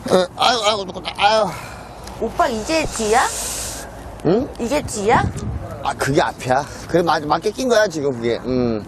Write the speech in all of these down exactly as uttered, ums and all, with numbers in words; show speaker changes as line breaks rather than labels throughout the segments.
어, 아유, 아유, 아유.
오빠 이게 뒤야?
응?
이게 뒤야?
아, 그게 앞이야. 그래, 맞, 맞게 낀 거야, 지금 그게. 음.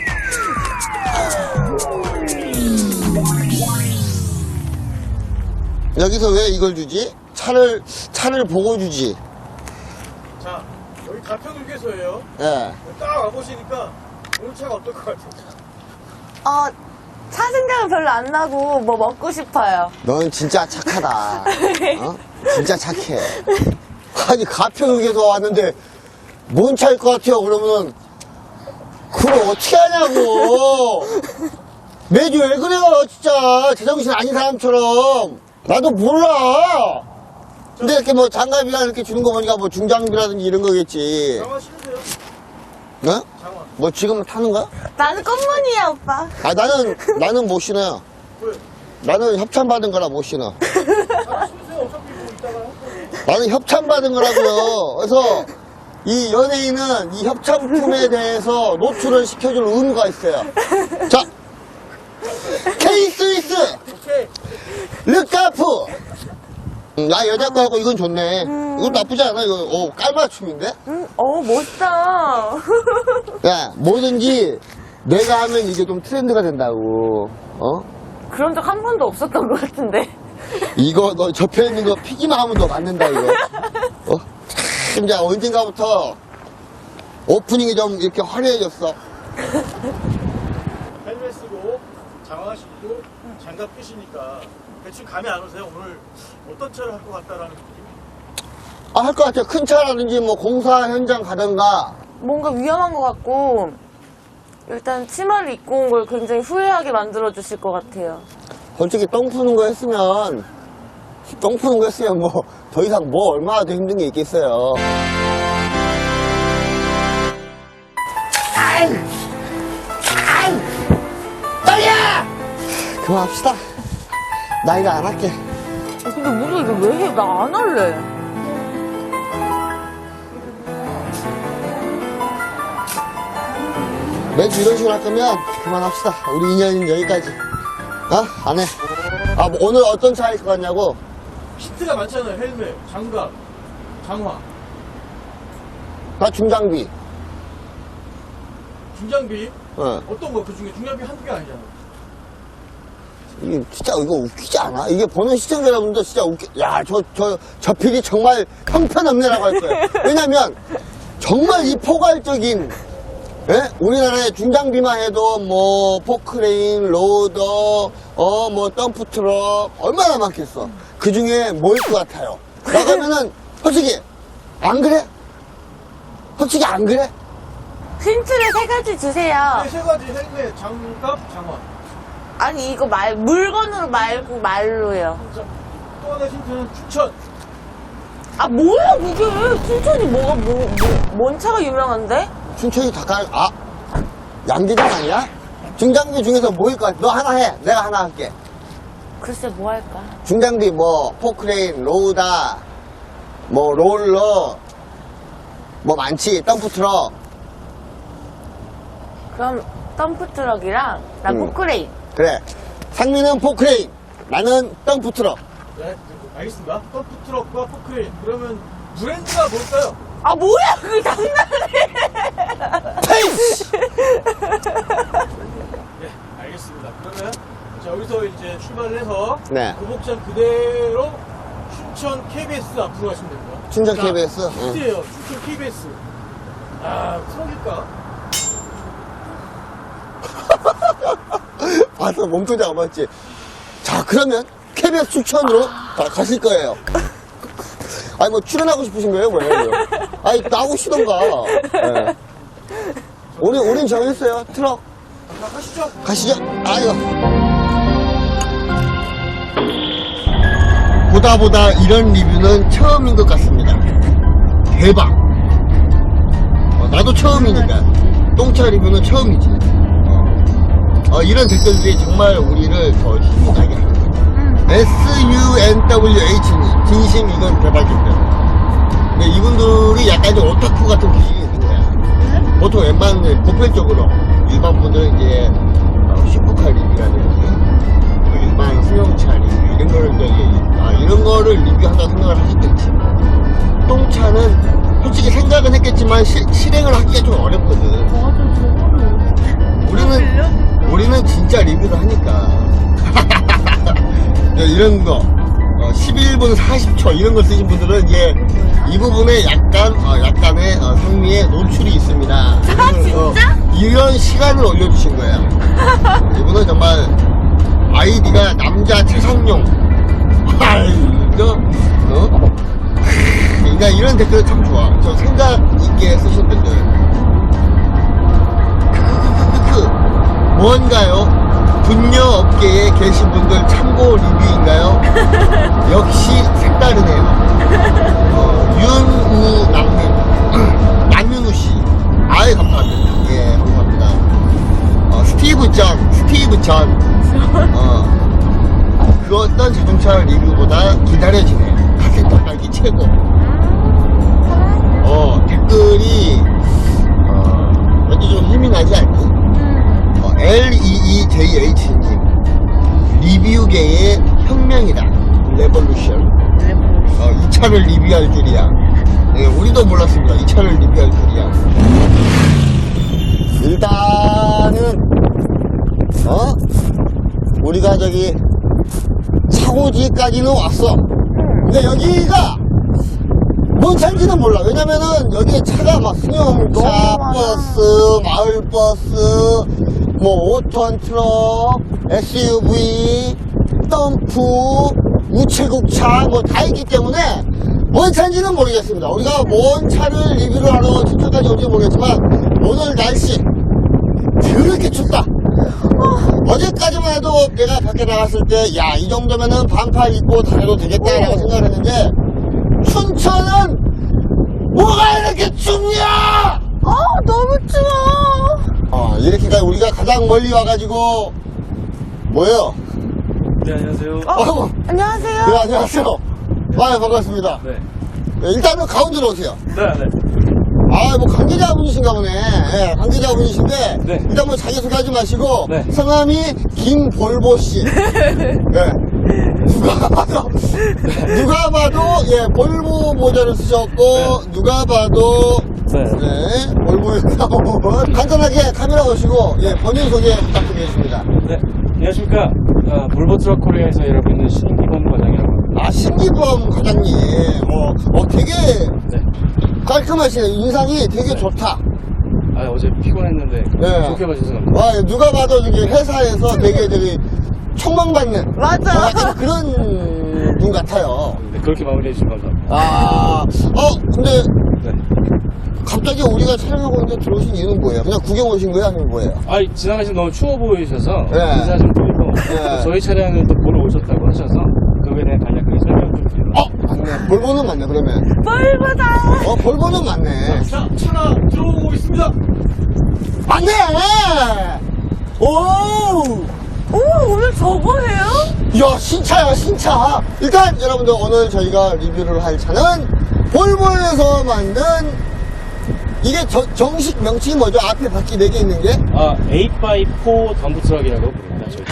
여기서 왜 이걸 주지? 차를, 차를 보고 주지.
자, 여기 가평휴게소예요.
예.
딱 와보시니까 오늘 차가 어떨 것 같아요?
어, 차 생각은 별로 안 나고 뭐 먹고 싶어요.
넌 진짜 착하다. 어? 진짜 착해. 아니, 가평휴게소 왔는데, 뭔 차일 것 같아요? 그러면은, 그걸 어떻게 하냐고! 매주 왜 그래요, 진짜! 제정신 아닌 사람처럼! 나도 몰라! 근데 이렇게 뭐 장갑이나 이렇게 주는 거 보니까 뭐 중장비라든지 이런 거겠지.
장화 신으세요?
어?
장화.
뭐 지금 타는 거야?
나는 꽃무늬야, 오빠.
아, 나는, 나는 못 신어요.
왜?
나는 협찬받은 거라 못 신어.
장화 신으세요. 어차피 뭐 이따가 할 거예요.
나는 협찬받은 거라고요. 그래서 이 연예인은 이 협찬품에 대해서 노출을 시켜줄 의무가 있어요. 자, K-스위스,
오케이.
르카프. 음, 나 여자 거 하고 이건 좋네. 이건 나쁘지 않아. 이거 오, 깔맞춤인데?
응, 어, 멋있다.
야, 뭐든지 내가 하면 이게 좀 트렌드가 된다고. 어?
그런 적 한 번도 없었던 것 같은데.
이거 너 접혀 있는 거 피기만 하면 너 맞는다 이거. 어? 참, 이제 언젠가부터 오프닝이 좀 이렇게 화려해졌어.
헬멧 쓰고 장화 신고 장갑 끼시니까 대충 감이 안 오세요? 오늘 어떤 차를 할 것 같다라는 느낌?
아, 할 것 같아요. 큰 차라든지 뭐 공사 현장 가든가.
뭔가 위험한 것 같고, 일단 치마를 입고 온 걸 굉장히 후회하게 만들어주실 것 같아요.
솔직히 똥 푸는 거 했으면, 똥 푸는 거 했으면 뭐, 더 이상 뭐 얼마나 더 힘든 게 있겠어요. 아이! 아이! 빨리야! 그만합시다. 나 이거 안 할게.
아, 근데 우리가 이거 왜 해? 나 안 할래.
매주 이런 식으로 할 거면 그만합시다. 우리 인연은 여기까지. 어? 안 해. 아, 뭐 오늘 어떤 차일 것 같냐고?
히트가 많잖아요. 헬멧, 장갑, 장화,
나 중장비.
중장비.
어.
어떤 거? 그 중에 중장비 한두 개 아니잖아요.
이게 진짜 이거 웃기지 않아? 이게 보는 시청자 여러분도 진짜 웃기, 야, 저, 저, 저 필이 정말 형편없네라고 할 거예요. 왜냐면, 정말 이 포괄적인, 예? 우리나라의 중장비만 해도 뭐, 포크레인, 로더, 어, 뭐, 덤프트럭, 얼마나 많겠어. 그 중에 뭐일 것 같아요? 나가면은, 솔직히, 안 그래? 솔직히 안 그래?
힌트를 세 가지 주세요.
네, 세 가지 헬멧, 장갑, 장화.
아니, 이거 말, 물건으로 말고 말로요.
자, 또 하나 힌트는 추천.
아, 뭐야, 그게. 춘천이 뭐가, 뭐, 뭐, 뭔 차가 유명한데?
춘천이 닭갈, 아, 양계장 아니야? 중장비 중에서 뭐일 것 같아? 너 하나 해. 내가 하나 할게.
글쎄, 뭐 할까?
중장비 뭐 포크레인, 로우다, 뭐 롤러, 뭐 많지. 덤프트럭.
그럼, 덤프트럭이랑, 난
음.
포크레인.
그래. 상민은 포크레인, 나는 덤프트럭.
네, 알겠습니다. 덤프트럭과 포크레인. 그러면 브랜드가 뭘까요?
아, 뭐야, 그게 장난해.
페이스!
네, 알겠습니다. 그러면 자, 여기서 이제 출발을 해서
네.
고복장 그대로 춘천 케이비에스 앞으로 가시면 됩니다.
춘천
자,
케이비에스? 응.
힌트예요. 춘천 케이비에스. 아, 트럭일까?
봐서 몸통 잡아봤지. 자, 그러면 케이비에스 추천으로 가, 가실 거예요. 아니, 뭐, 출연하고 싶으신 거예요, 뭐예요? 아니, 나오시던가. 네. 우리, 우린 정했어요. 트럭.
자, 가시죠.
가시죠. 아유. 보다 보다 이런 리뷰는 처음인 것 같습니다. 대박. 어, 나도 처음이니까. 똥차 리뷰는 처음이지. 어, 이런 댓글들이 정말 우리를 더 힘이 나게 하는 거예요. 에스유엔더블유에이치니 진심 이건 대박입니다. 근데 이분들이 약간 좀 오타쿠 같은 기질이 있는 거야. 보통 웬만한 보편적으로 일반 분들은 이제 슈퍼카 리뷰라든지 일반 승용차 리뷰 이런 거를 이제 진행을 하기가 좀 어렵거든. 우리는, 우리는 진짜 리뷰를 하니까. 이런 거, 어, 십일 분 사십 초 이런 거 쓰신 분들은 이제 이 부분에 약간, 어, 약간의 어, 상미의 노출이 있습니다.
아, 진짜?
어, 이런 시간을 올려주신 거예요. 이분은 정말 아이디가 남자 최상용. 아이고, 어? 그러니까 이런 댓글 참 좋아. 저 생각 있게 쓰신 분들. 크크크크크. 뭔가요? 분녀 업계에 계신 분들 참고 리뷰인가요? 역시 색다르네요. 어, 윤우남님, 남윤우씨. 아이, 감사합니다. 예, 감사합니다. 어, 스티브 전, 스티브 전. 어, 그 어떤 자동차 리뷰보다 기다려지네요. 카세트 깔기 최고. 어, 댓글이, 어, 왠지 좀 힘이 나지 않니? 어, 엘이이제이에이치님 리뷰계의 혁명이다. 레볼루션. 어, 이 차를 리뷰할 줄이야. 네, 우리도 몰랐습니다. 이 차를 리뷰할 줄이야. 일단은 어? 우리가 저기 차고지까지는 왔어. 근데 여기가 뭔 차인지는 몰라. 왜냐면은 여기에 차가 막 승용차, 버스, 마을버스, 뭐 오 톤 트럭, 에스유브이, 덤프, 우체국차 뭐 다 있기 때문에 뭔 차인지는 모르겠습니다. 우리가 뭔 차를 리뷰를 하러 춘천까지 올지 모르겠지만 오늘 날씨 그렇게 춥다. 어, 어제까지만 해도 내가 밖에 나갔을 때 야, 이 정도면은 반팔 입고 다녀도 되겠다라고 생각을 했는데 춘천은 뭐가 이렇게 춥냐?
아, 너무 추워.
어, 이렇게까지 우리가 가장 멀리 와가지고 뭐예요?
네, 안녕하세요.
어,
안녕하세요.
네, 안녕하세요. 아, 반갑습니다.
네.
네, 일단은 가운데로 오세요.
네, 네.
아, 뭐 관계자분이신가 보네. 예, 관계자분이신데
네.
일단 뭐 자기 소개하지 마시고
네.
성함이 김볼보 씨. 예. 누가 봐도 누가 봐도 예 볼보 모자를 쓰셨고
네.
누가 봐도
네.
네 볼보에 나온 간단하게 카메라 보시고 예 본인 소개 부탁드리겠습니다.
네. 안녕하십니까. 아, 볼보 트럭 코리아에서 일하고 있는 신기범 과장이라고 합니다.
아 신기범 과장님, 어, 어 되게
네.
깔끔하시네. 인상이 되게 좋다.
아, 어제 피곤했는데
네.
좋게 봐주셔서 감사합니다.
와, 누가 봐도 저기 회사에서 되게 저기 촉망받는
맞아.
어, 약간 그런 분 같아요.
네, 그렇게 마무리해 주셔서 감사합니다.
아, 어, 근데
네.
갑자기 우리가 촬영하고 있는데 들어오신 이유는 뭐예요? 그냥 구경 오신 거예요? 아니면 뭐예요?
아, 지나가시면 너무 추워 보이셔서
네.
인사 좀 드리고
네.
저희 차량을 또 보러 오셨다고 하셔서 그거에 대한 간략하게 설명 좀 드리고.
어, 맞네. 볼보는 맞네, 그러면.
볼보다.
어, 볼보는 맞네.
자, 차가 들어오고 있습니다.
맞네! 오!
오, 오늘 저거 해요?
야, 신차야, 신차. 일단, 여러분들, 오늘 저희가 리뷰를 할 차는 볼보에서 만든, 이게 저- 정식 명칭이 뭐죠? 앞에 바퀴 네 개 있는 게?
아, 에잇 바이 포 덤프 트럭이라고 부릅니다. 저희.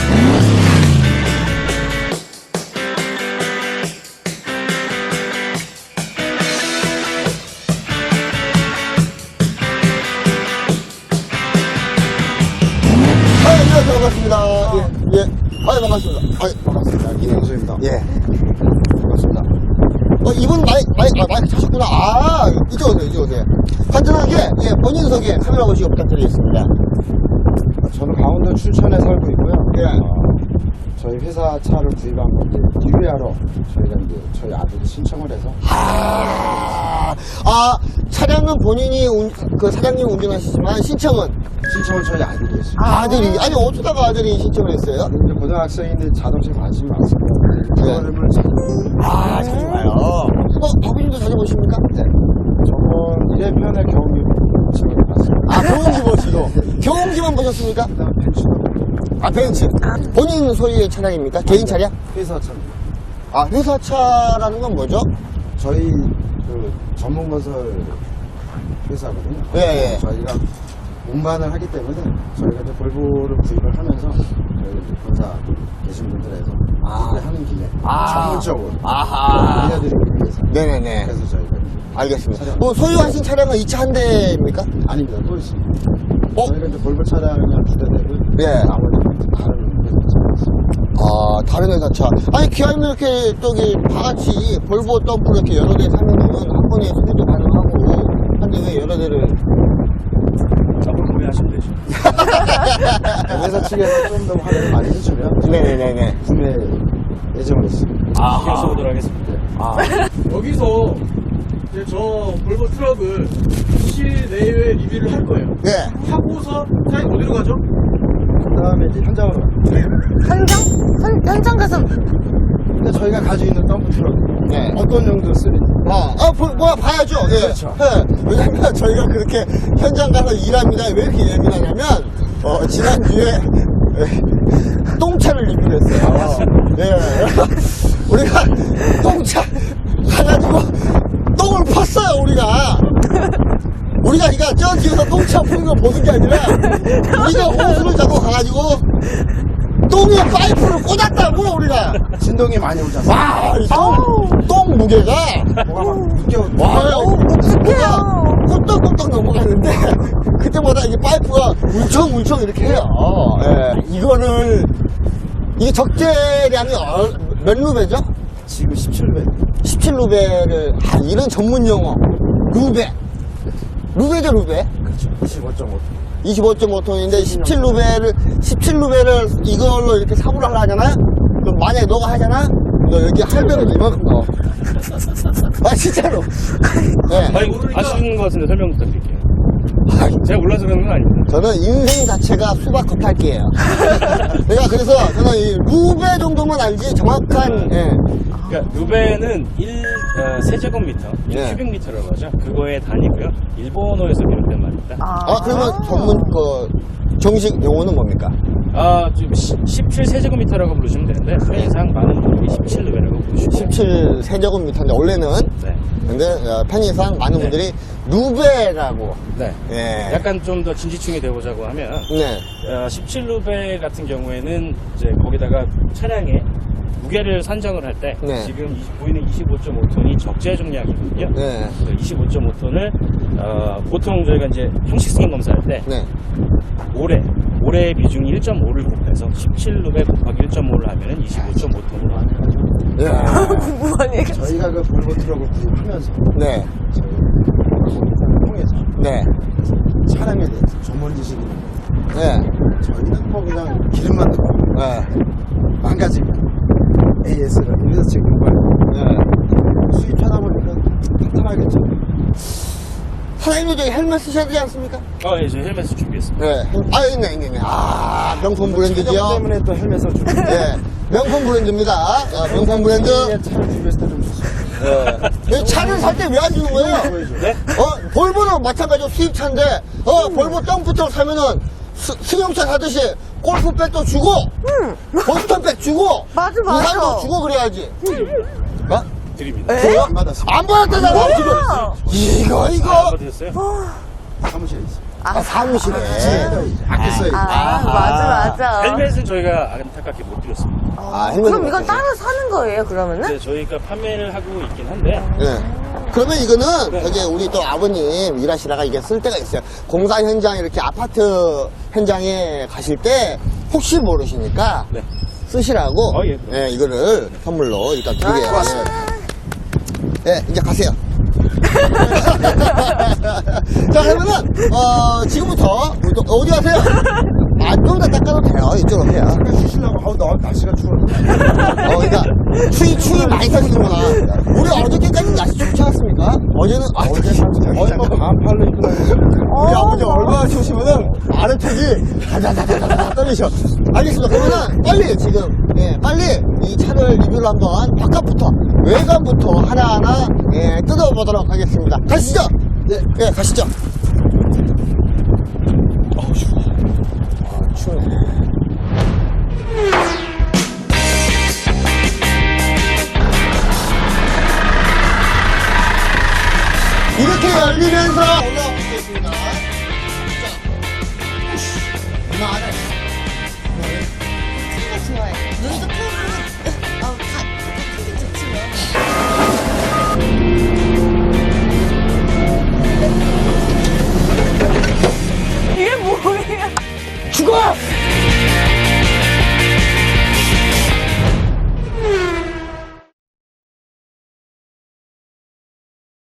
아, 안녕하세요. 반갑습니다. 예, 예. 아, 반갑습니다. 아, 반갑습니다.
김영수입니다.
예. 반갑습니다. 어, 이분 마이, 마이, 아, 마이크 차셨구나. 아, 이쪽 오세요, 이쪽 오세요. 간단하게, 예, 본인 소개 카메라 보시고 부탁드리겠습니다.
저는 강원도 춘천에 살고 있고요.
예.
어, 저희 회사 차를 구입한 건데 리뷰하러 저희가 이제 저희 아들이 신청을 해서
아, 아, 차량은 본인이 운, 그 사장님 운전하시지만 신청은
신청을 저희 아들이 했어요.
아들이, 아니, 어쩌다가 아들이 신청을 했어요?
이제 고등학생인데 자동차에 관심이 많습니다. 프로그램을 자주
아, 자주 와요. 어, 아버님도 자주 보십니까?
네. 저번 일 회편의 경험이 지금 봤습니다.
아, 경운기 보시고. 경운기만 보셨습니까?
그다음 벤츠도
아, 벤츠. 본인 소유의 차량입니까? 개인 차량?
회사 차.
아, 회사 차라는 건 뭐죠?
저희 그 전문 건설 회사거든요.
예, 예.
저희가 운반을 하기 때문에 저희가 이제 볼보를 구입을 하면서 저희 이제 본사 계신 분들에서
아.
하는 김에
아.
전문적으로
아하.
알려드리기 위해서
네네네.
그래서 저희가
알겠습니다.
차량.
뭐 소유하신 차량은 이 차 한 대입니까?
아닙니다. 또 있습니다.
어?
저희가 이제 볼보 차량이 한 두 대 되고
예.
나머지 다른 회사 차가 있습니다.
아, 다른 회사 차. 아니, 기아는 이렇게, 저기, 다 같이 볼보 덤프 이렇게 여러 대 사면은 한 번에 수리도 가능하고, 한데 왜 여러 대를.
앞으로 구매하시면 되죠.
회사 측에서 좀 더 할인을 많이 해주면
네네네네.
구매 예정으로 있습니다.
신경 써보도록 하겠습니다.
아,
여기서 이제 저 볼보 트럭을 실내외 리뷰를 할 거예요.
네.
하고서 사장님 어디로 가죠?
그 다음에 이제 현장으로
현장? 현, 현장 가서
근데 저희가 가지고 있는 덤프 트럭
네.
어떤 용도 쓰는지
아, 아, 보, 뭐야, 봐야죠. 예.
그렇죠.
예. 왜냐면 저희가 그렇게 현장 가서 일합니다. 왜 이렇게 예민하냐면, 어, 지난주에, 예, 똥차를 리뷰를 했어요. 예. 우리가 똥차 가가지고 똥을 팠어요, 우리가. 우리가 그러니까 저 뒤에서 똥차 푸는 걸 보는 게 아니라, 우리가 호수를 잡고 가가지고, 똥에 파이프를 꽂았다고, 우리가.
진동이 많이 오지 않습니까?
와, 이 똥, 똥 무게가,
뭐가 막 묶여
와, 뭐가 꿀떡꿀떡 넘어가는데, 그때마다 이게 파이프가 울청울청 이렇게 해요. 예, 이거를, 이게 적재량이 얼- 몇 루베죠?
지금 십칠 배
십칠 루베를, 아, 이런 전문 용어. 루베. 루베죠, 루베?
그렇죠. 이십오 점 오 톤.
이십오 점 오 톤인데 십칠 루베를 십칠 루베를 이걸로 이렇게 사고를 하려 하잖아? 그럼 만약에 너가 하잖아? 너 여기 할배로 이만큼 넣어. 아 진짜로. 네.
아니, 아시는 것 같은데 설명 부탁드릴게요.
아,
제가 몰라서 그런 건 아닙니다.
저는 인생 자체가 수박 겉핥기예요. 내가 그래서 저는 이 루베 정도만 알지 정확한 예.
그러니까 루베는 일 어, 세제곱미터, 일
네.
큐빅미터라고 하죠. 그거의 단위고요. 일본어에서 비롯된 말입니다.
아,
아 그러면 전문 그 정식 용어는 뭡니까?
아, 지금 십칠 세제곱미터라고 부르시면 되는데 편의상 많은 분들이 십칠 루베라고 부르시고
십칠 세제곱미터인데 원래는
네.
근데 어, 편의상 많은
네.
분들이 루베라고
네.
예.
약간 좀 더 진지충이 되보자고 하면
네.
어, 십칠 루베 같은 경우에는 이제 거기다가 차량의 무게를 산정을 할 때
네.
지금 이- 보이는 이십오 점 오 톤이 적재重量이거든요.
네.
이십오 점 오 톤을 어, 보통 저희가 이제 형식 승인 검사할 때
네.
모래 모래의 비중이 일 점 오를 곱해서 십칠 루베 곱하기 일 점 오를 하면은 이십오 점 오 톤으로 나와요.
예.
궁금한 얘기.
저희가 그 볼보 트럭을 구입하면서
네.
저희 공사를 통해서
네.
차량에 대해서 전문 지식이 있는
네.
저희는 뭐 그냥 기름만 넣고
네.
망가지면 에이에스를 회사 측 요구할
네.
수입하다 보니까 탄탄하겠죠.
사장님도 저기 헬멧 쓰셔야 되지 않습니까?
어, 예, 저희 헬멧을 준비했습니다.
네. 헬- 아, 있네, 있네, 있네. 아, 명품 브랜드지요?
최적 때문에 또 헬멧을 주고
네. 명품 브랜드입니다. 아, 명품 브랜드.
차를 준비했을 때 좀 좋습니다.
네. 차를 살 때 왜 안 주는 거예요?
네?
어, 볼보도 마찬가지로 수입차인데, 어, 볼보 덤프트럭 사면은 스, 승용차 사듯이 골프백도 주고, 보스턴백 주고,
맞아, 맞아.
우산도 주고 그래야지. 어?
드립니다.
줘요?
안 받았습니다.
안 받았다잖아, 지금. 이거, 이거.
아, 받으셨어요?
사무실에 있습니다.
아, 사무실에.
아껴 써야지.
아, 맞아, 맞아.
헬멧은 저희가 안타깝게 못 드렸습니다.
아, 헬멧은
그럼 이건
못
따로 사는 거예요, 그러면은?
근데 저희가 판매를 하고 있긴 한데
네. 그러면 이거는 저기 우리 또 아버님 일하시다가 이게 쓸 때가 있어요. 공사 현장 이렇게 아파트 현장에 가실 때 혹시 모르시니까
네.
쓰시라고
어, 예, 그럼.
네, 이거를 선물로 일단 드려요. 네. 네, 이제 가세요. 자, 그러면은 어, 지금부터 우리 또 어디 가세요? 아, 좀 더 닦아도 돼요. 이쪽으로 해요.
쉬시려고 아우 나 날씨가 추워.
어, 그러니까 추위 추위 많이 타시는구나. 우리 어저께까지 날씨 좋지 않았습니까? 어제는 아,
어제 거의 뭐 반팔로 입고 다니고
우리 아버지 얼마나 추우시면은 아래턱이 다다다다다 떨리셔. 알겠습니다. 그러면은 빨리 지금 예, 빨리 이 차를 리뷰를 한번 바깥부터 외관부터 하나하나 예, 뜯어보도록 하겠습니다. 가시죠. 네, 예, 가시죠. 어우 추워. 아, 추우네. 이렇게 열리면서 올라오겠습니다. 자,
눈도 크고, 어, 다, 다 크긴 좋지만. 이게 뭐야?
죽어!